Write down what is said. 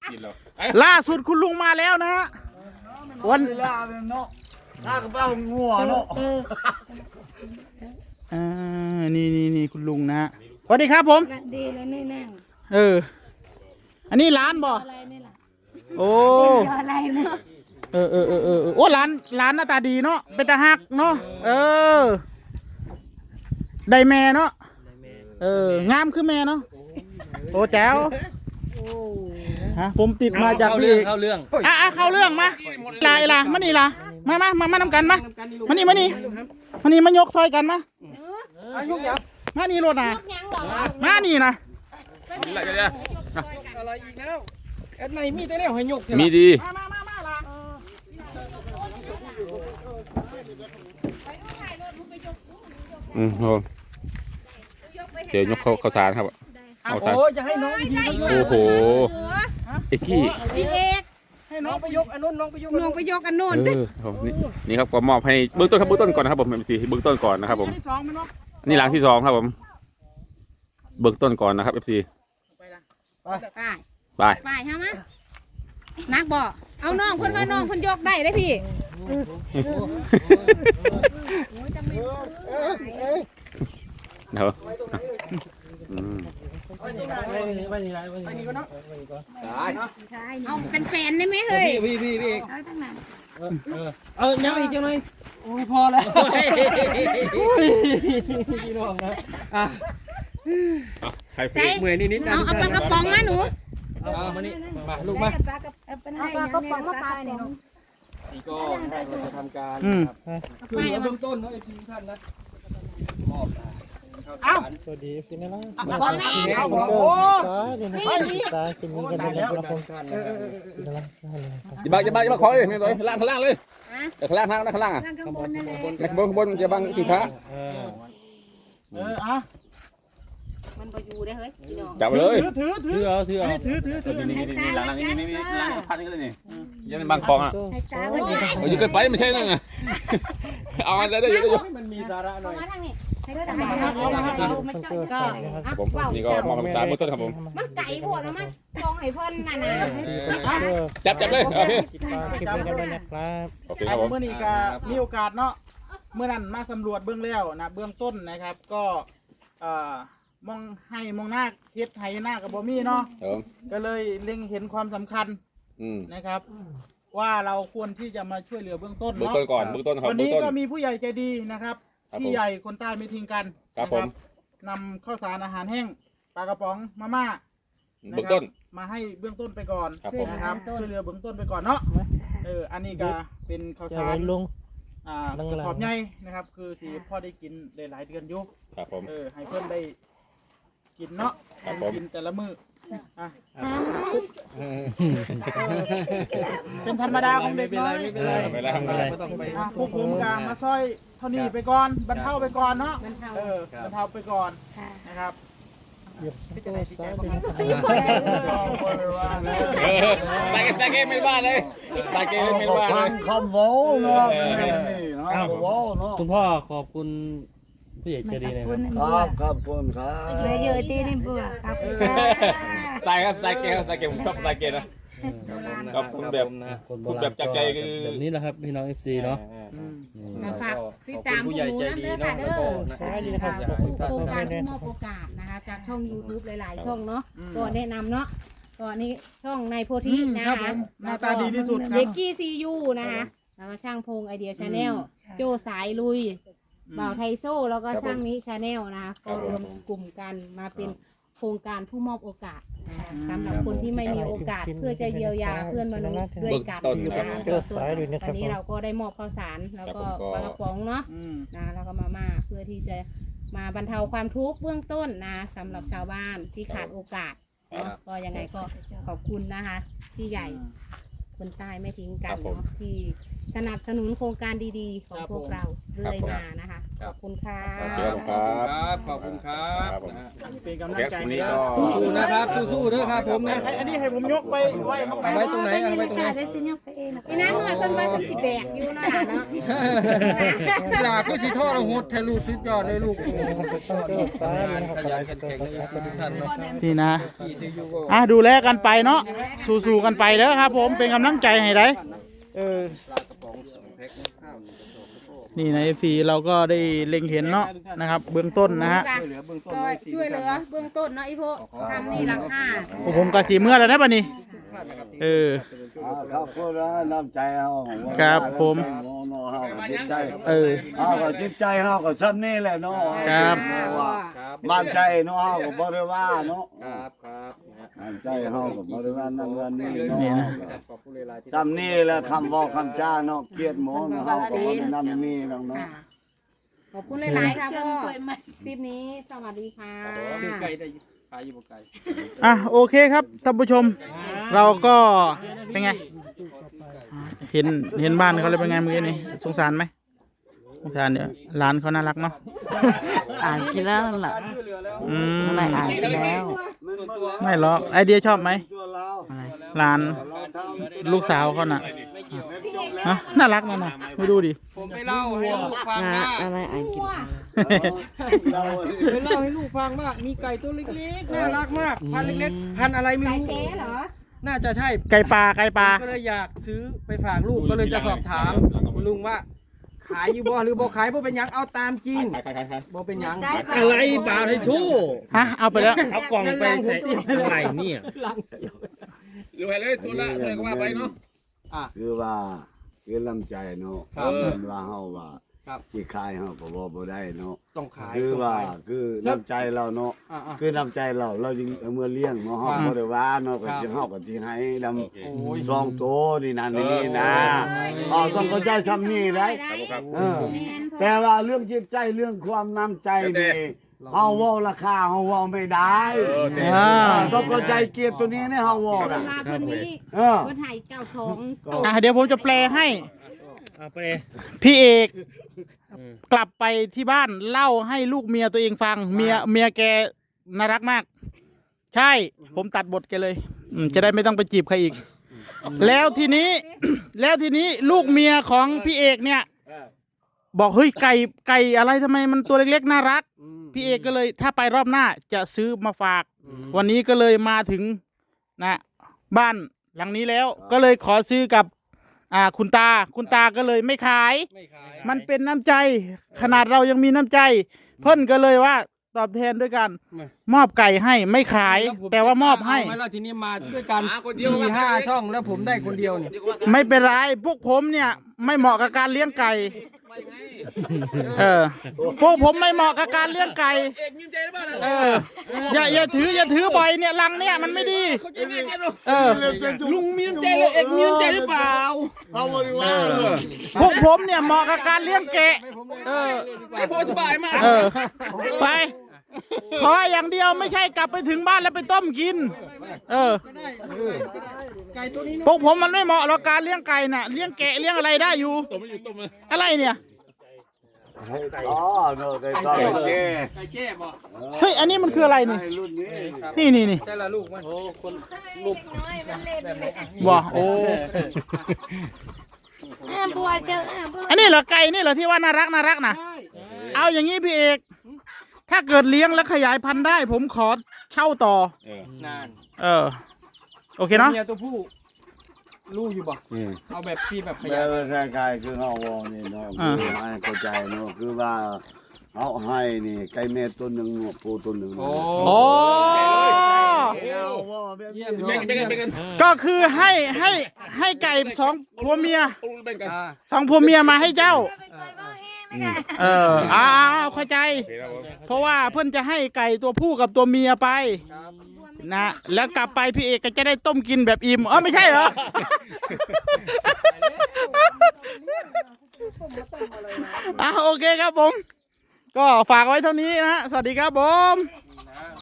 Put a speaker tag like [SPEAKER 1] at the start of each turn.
[SPEAKER 1] ล่าสุดคุณลุงมาแล้วนะฮะวัน
[SPEAKER 2] ล่าเป็นเนาะล่ากระเป๋างัวเนาะ
[SPEAKER 1] นี่คุณลุงนะสวัสดีครับผม
[SPEAKER 3] ดีแล้วนี่นั่ง
[SPEAKER 1] อันนี้ร้านบ่
[SPEAKER 3] อะไรนี่ล่ะ
[SPEAKER 1] โอ้
[SPEAKER 3] อะไรเนาะ
[SPEAKER 1] โอ้ร้านหน้าตาดีเนาะเป็นตาฮักเนาะได้แม่เนาะงามคือแม่เนาะโอ้แจ๋วฮะผมติดมาจากพี่
[SPEAKER 4] เข้าเรื่อง
[SPEAKER 1] เข้าเรื่องมาล่ะมานี่ล่ะมานำกันมานี่มายกซอยกันมามานี่รถนะมานี่นะ
[SPEAKER 4] อะไรอีกแล้วแอดในมีแต่แนวให้ยก
[SPEAKER 5] มีดี
[SPEAKER 1] มาล่ะ
[SPEAKER 5] เจอยกข้าวสารครับ
[SPEAKER 4] โอ้จะให้น้องดี
[SPEAKER 5] โอ้โหเอ็กกี้
[SPEAKER 3] พี่เอก
[SPEAKER 4] ให้น้องไปยกอันนู้นน้องไปยกอันโน้น
[SPEAKER 5] นี่ครับก็มอบให้เบื้องต้นครับเบื้องต้นก่อนนะครับผมMCเบื้องต้นก่อนนะครับผมนี่หลังที่2ครับผมเบื้องต้นก่อนนะครับ FC
[SPEAKER 3] ไปฮะมะนักบอกเอาน้องคนว่าน้องคนยกได้ได้พี่
[SPEAKER 5] เดี๋ยว
[SPEAKER 3] เอาเป็นแฟนได้ไหมเฮ้ย
[SPEAKER 4] พี่
[SPEAKER 3] เอาทั้งนั้น
[SPEAKER 4] ยังอีกจังเลยโอ้ยพอแล้วพี่น้องนะ
[SPEAKER 5] ใครเฟซ
[SPEAKER 4] เมื่อยนิดๆนะ
[SPEAKER 3] เอาปลากระป๋องมาหนู
[SPEAKER 4] มานี่มาลูกมา
[SPEAKER 3] เอาปลากระป๋องมาปลาเนี่ย
[SPEAKER 4] นี่ก็เราจะทำการคือเบื้องต้นเนาะไอ้ทีมท่านนะมอบ
[SPEAKER 2] สวัสดีพี่นะ
[SPEAKER 1] บอลแม่โอ้
[SPEAKER 2] นี่ตากินกันแล้วครับผม
[SPEAKER 5] อย่าบังของเลยไม่เลยข้างล่างเลยข้างล่างข้างล่าง
[SPEAKER 3] ข้างบนนั่นแหละ
[SPEAKER 5] ข้างบนจะบังสินค้า
[SPEAKER 3] มันไปอยู่ได้เฮ้ยพี่น้อง
[SPEAKER 5] จับเลย
[SPEAKER 1] ถือ
[SPEAKER 5] นี่หลังนี่พันนี่เลยนี่ยังเป็นบางของอ่ะอยู่เกินไปไม่ใช่นั่นไงเอาอันได้เยอะ
[SPEAKER 4] มันมีสาระหน่อย
[SPEAKER 5] ผมนี่ก็มองตาเบื้องต้นครับผม
[SPEAKER 3] มันไก่พวกนะมั้ยลองให้เพิ่นน่ะนะ
[SPEAKER 5] จับเลยโอเค
[SPEAKER 1] โอเคครับผมเมื่อนี้ก็มีโอกาสเนาะเมื่อนั้นมาสำรวจเบื้องแล้วนะเบื้องต้นนะครับก็มองหน้าเฮ็ดไห้หน้ากับบ่มีเนาะก็เลยเล็งเห็นความสำคัญนะครับว่าเราควรที่จะมาช่วยเหลือเบื้องต้นเนาะ
[SPEAKER 5] เบื้องต้นก่อนเบื้องต้นครับ
[SPEAKER 1] วันนี้ก็มีผู้ใหญ่ใจดีนะครับพี่ใหญ่คนใต้ไม่ทิ้งกัน
[SPEAKER 5] นะครับ
[SPEAKER 1] นำข้าวสารอาหารแห้งปลากระป๋องมาม่า
[SPEAKER 5] เบื้องต้น
[SPEAKER 1] มาให้เบื้องต้นไปก่อนนะครับช่วยเหลือเบื้องต้นไปก่อนเนาะอันนี้ก็เป็นข้าวสาร
[SPEAKER 2] ลุง
[SPEAKER 1] ขอบใหญ่นะครับคือสีพ่อได้กินหลายเดือนอยู่
[SPEAKER 5] ครับผม
[SPEAKER 1] ให้เพื่อนได้กินเนาะกินแต่ละมื้อเป็นธรรมดาของเด็กน้อยพวกผมกางมาซอยเท่านี้ไปก่อนบรรเทาไปก่อนเนาะบรรเทาไปก่อนนะครับ
[SPEAKER 5] สไตเกไม่ว่าเลยสไตเกไม่ว่าเลย
[SPEAKER 2] คำโว้เนาะ
[SPEAKER 4] คุณพ่อขอบคุณผู้ใหญ่ใจดีนะครับ
[SPEAKER 2] ขอบคุณครับ
[SPEAKER 3] เยอะๆตีนี่ปู่ครับ
[SPEAKER 5] สไตล์ครับสไตล์เกผมชอบสไตล์เกนะก็พูดแบบจากใจคือ
[SPEAKER 4] แบบนี้แหละครับพี่น้อง FC เนาะ
[SPEAKER 3] ฝากติดตามผู้ใหญ่ใจดีเนาะโครงการมอบโอกาสนะคะจากช่อง YouTube หลายๆช่องเนาะก็แนะนำเนาะก็นี่ช่องในโพธินะคะ
[SPEAKER 1] หน้าตาดีที่สุด
[SPEAKER 3] เด็กกี้ซียูนะคะแล้วก็ช่างพงไอเดียชาแนลโจสายลุยบ่าวไทโซ่แล้วก็ช่างนี้ชาแนลนะคะก็รวมกลุ่มกันมาเป็นโครงการผู้มอบโอกาสสำหรับคนที่ไม่มีโอกาสเพื่อจะเยียวยาเพื่อนมนุษย์ด้วยกันนะคะอันนี้เราก็ได้มอบข้าวสารแล้วก็ปลากระป๋องเนาะแล้วก็มาม่าเพื่อที่จะมาบรรเทาความทุกข์เบื้องต้นนะสำหรับชาวบ้านที่ขาดโอกาสก็ยังไงก็ขอบคุณนะคะพี่ใหญ่คนใต้ไม่ทิ้งกันเนาะที่สนับสนุนโครงการดีๆของพวกเราเรื่อยมานะคะขอบคุณค่ะ
[SPEAKER 5] โอเคครับ
[SPEAKER 4] ขอบคุณครับ
[SPEAKER 5] ครับผม
[SPEAKER 4] นะฮะ
[SPEAKER 1] เป็นกำลัง
[SPEAKER 5] แก๊ป
[SPEAKER 1] ใจ
[SPEAKER 5] คน
[SPEAKER 1] ให้
[SPEAKER 5] นี้
[SPEAKER 1] เด้
[SPEAKER 5] ก็
[SPEAKER 1] อ
[SPEAKER 4] สู้ๆนะครับสู้ๆด้วยครับผมนะ
[SPEAKER 1] อันนี้ให้ผมยกไปไว้
[SPEAKER 4] เอาไว้ตรงไหนเอาไว้ตรงไหน
[SPEAKER 3] อีน้ำหน่อยเป็นใบสักสิแบกอยู่เนาะเนาะ
[SPEAKER 4] หลาก็สิทอดโหดแทลูกสุดยอดเลยลูก
[SPEAKER 2] ช่องโจ้ซ้ายนะครับ
[SPEAKER 4] ขยันแข็งๆเลยทุกท่านเนาะ
[SPEAKER 1] นี่นะ
[SPEAKER 4] ขี่ซียูก็
[SPEAKER 1] ดูแลกันไปเนาะสู้ๆกันไปเด้อครับ ผมเป็นกำลังใจให้ได้นี่ในฟีเราก็ได้เล็งเห็นเนาะนะครับ เบื้องต้นนะฮะ
[SPEAKER 4] ช่วยเหลือเบื้องต้น
[SPEAKER 3] ก็ช่วยเหลือเบื้องต้นเนาะอีโพทำนี่หลังคา
[SPEAKER 1] ผมกะสีเมื่อแล้วนะบัดนี้
[SPEAKER 6] ครับพูดแล้วน้ำใจเอา
[SPEAKER 1] ครับผม
[SPEAKER 6] โน่เฮาก็จิตใจ
[SPEAKER 1] เออ
[SPEAKER 6] เฮาก็จิตใจเฮาก็ซ้ำนี่แหละเนาะ
[SPEAKER 1] ครับ
[SPEAKER 6] บ้านใจเนาะเฮาก็บ่ได้ว่าเนาะ
[SPEAKER 4] ครับครับ
[SPEAKER 6] บ้านใจเฮาก็บ่ได้ว่านั่นว่านี่
[SPEAKER 1] นี่
[SPEAKER 6] เนาะ
[SPEAKER 1] นะ
[SPEAKER 4] ขอบคุณหลายๆที่
[SPEAKER 6] ซ้ำนี่แหละคำบอกคำจ้าเนาะเกลียดหมอเนาะเฮาก็บ่ได้นั่นนี่เนาะ
[SPEAKER 3] ค่ะขอบคุณหลายๆค่ะพ่อคลิปนี้สวัสดีค่ะ
[SPEAKER 4] ชื่อไก่ได้ขายอยู่บ่ไก่
[SPEAKER 1] โอเคครับท่านผู้ชม เราก็เป็นไง เห็นบ้านเขาเลยเป็นไงเมื่อกี้นี่สงสารไหมสงสารเนี่ยร้านเขาน่ารักเนาะ
[SPEAKER 7] อ่านกินแล้วนั่นแหละ
[SPEAKER 1] อืม
[SPEAKER 7] อะไรอ่านกินแล้ว
[SPEAKER 1] ไม่หรอกไอเดียชอบไหม
[SPEAKER 7] อะไร
[SPEAKER 1] ร้านลูกสาวเขาน่ะน่ารักนะน่ะไม่ดูดิ
[SPEAKER 4] ผมไปเล่าให้ลูกฟังว่า
[SPEAKER 7] อะไรอ่านกินข้าว
[SPEAKER 6] เรา
[SPEAKER 4] ไปเล่าให้ลูกฟังว่ามีไก่ตัวเล็กๆน่ารักมากพันเล็กๆพันอะไรไม่
[SPEAKER 3] ไก่
[SPEAKER 4] รู้
[SPEAKER 3] แก้เหรอ
[SPEAKER 4] น่าจะใช่
[SPEAKER 1] ไก่ปลาไก่ปลา
[SPEAKER 4] ก็เลยอยากซื้อไปฝากลูกก็เลยจะสอบถามคุณลุงว่า ขายอยู่บ่หรือบ่ขายบ่เป็นหยังเอาตามจริง
[SPEAKER 5] ขาย
[SPEAKER 4] บ่เป็นหยัง
[SPEAKER 8] อะไรบาให้สู้
[SPEAKER 1] ฮะเอาไปแล้ว
[SPEAKER 8] เอากล่องไปใส่อะไรเนี่ย
[SPEAKER 5] ดูให้เลยตัวละตัวก็ว่าไปเนาะ
[SPEAKER 6] คือว่าคือลำใจเนาะ
[SPEAKER 4] ครับ
[SPEAKER 6] ว่าเฮาว่า
[SPEAKER 4] ครับ
[SPEAKER 6] ที่ขายเฮาก็บ่ได้เนาะ
[SPEAKER 4] ต้องขาย
[SPEAKER 6] คือ
[SPEAKER 4] ต้อง
[SPEAKER 6] ว่า
[SPEAKER 4] ขาย
[SPEAKER 6] คือน้ำใจเราเนาะ
[SPEAKER 4] อ่า
[SPEAKER 6] คือน้ำใจเราจึงเอามื่อเลี้ยงเนาะเฮาบ่ได้ว่าเนาะก็สิเฮาก็สิให้ด
[SPEAKER 4] โอ้ย
[SPEAKER 6] ำซองโตนี่นั่นนี่นะต้องเข้าใจซ้ำนี่ได้
[SPEAKER 5] ครับ
[SPEAKER 6] เออแต่ว่าเรื่องจิตใจเรื่องความน้ำใจนี่เฮาเว้าราคาเฮาเว้าไม่ได้ ต้องเข้าใจเกียรติตัวนี้ในเฮาเว้า
[SPEAKER 3] เว
[SPEAKER 6] น่ะ
[SPEAKER 3] ลาเพิ่นนี้
[SPEAKER 6] เออ
[SPEAKER 3] เพิ่นให้เจ้าของ
[SPEAKER 1] เดี๋ยวผมจะแปลให้
[SPEAKER 8] เอาไป
[SPEAKER 1] พี่เอกกลับไปที่บ้านเล่าให้ลูกเมียตัวเองฟัง เมียแกน่ารักมาก ใช่ ผมตัดบทแกเลยจะได้ไม่ต้องไปจีบใครอีก แล้วทีนี้ ลูกเมียของพี่เอกเนี่ย บอกเฮ้ยไก่อะไรทำไมมันตัวเล็กๆน่ารัก พี่เอกก็เลยถ้าไปรอบหน้าจะซื้อมาฝาก วันนี้ก็เลยมาถึงนะบ้านหลังนี้แล้ว ก็เลยขอซื้อกับคุณตาก็เลยไม่ขาย
[SPEAKER 4] ไม่ขาย
[SPEAKER 1] มันเป็นน้ำใจ ขนาดเรายังมีน้ำใจ เพิ่นก็เลยว่าตอบแทนด้วยกันมอบไก่ให้ไม่ขาย แต่ว่ามอบให้
[SPEAKER 4] เาไหมล่ะทีนี้มาด้วยกัน4-5 ช่องแล้วผมได้คนเดียวเนี่ย
[SPEAKER 1] ไม่เป็นไรพวกผมเนี่ยไม่เหมาะกับการเลี้ยงไก่พวกผมไม่เหมาะกับการเลี้ยงไก่อย่าถือบ่อยเนี่ยลังเนี่ยมันไม่ดี
[SPEAKER 8] ลุงมีน้ำใจเลยเอกมีน้ำใจหรือเปล่า
[SPEAKER 6] เฮาบ่ได้ว่า
[SPEAKER 1] พวกผมเนี่ยเหมาะกับการเลี้ยงแกะ
[SPEAKER 8] ไอ้พอสบายมาก
[SPEAKER 1] ไปขออย่างเดียวไม่ใช่กลับไปถึงบ้านแล้วไปต้มกิน
[SPEAKER 4] ไก่ตัวนี้
[SPEAKER 1] พวกผมมันไม่เหมาะหรอกการเลี้ยงไก่น่ะเลี้ยงแกะเลี้ยงอะไรได้อยู่อะไรเนี่ย
[SPEAKER 6] อ๋อเนาะได้ตอนเจ้
[SPEAKER 4] ไก่แจ้บ่
[SPEAKER 1] เฮ้ยอันนี้มันคืออะไรนี่
[SPEAKER 6] รุ่นนี้
[SPEAKER 1] นี่
[SPEAKER 4] ใช่ละลูกมันโอ้คนลูกแบบไหน
[SPEAKER 1] บ่โอ้อันนี้เหรอไก่นี่เหรอที่ว่าน่ารักนะเอาอย่างนี้พี่เอกถ้าเกิดเลี้ยงแล้วขยายพันธุ์ได้ ผมขอเช่าต่อน
[SPEAKER 4] าน
[SPEAKER 1] โอเคเนาะ
[SPEAKER 4] เมียตัวผู้ลูกอยู่บ่เอาแบบที่แบบข
[SPEAKER 6] แล้
[SPEAKER 4] ยายว
[SPEAKER 6] คล้ายๆคือเฮาเว้านี่เนาะคือให้เข้าใจเนาะคือว่าเฮาให้นี่ไก่แม่ตัวหนึงหนวกปูตัวหนึง
[SPEAKER 4] โอ้
[SPEAKER 1] โอ้
[SPEAKER 4] เยี่ยมเลย
[SPEAKER 1] ก็คือให้ไก่สองผัวเมีย
[SPEAKER 4] อ่า
[SPEAKER 1] สองผัวเมียมาให้เจ้าเข้าใจ เพราะว่าเพื่อนจะให้ไก่ตัวผู้กับตัวเมียไปนะแล้วกลับไปพี่เอกก็จะได้ต้มกินแบบอิ่มไม่ใช่เหรอโอเคครับผมก็ฝากไว้เท่านี้นะสวัสดีครับผม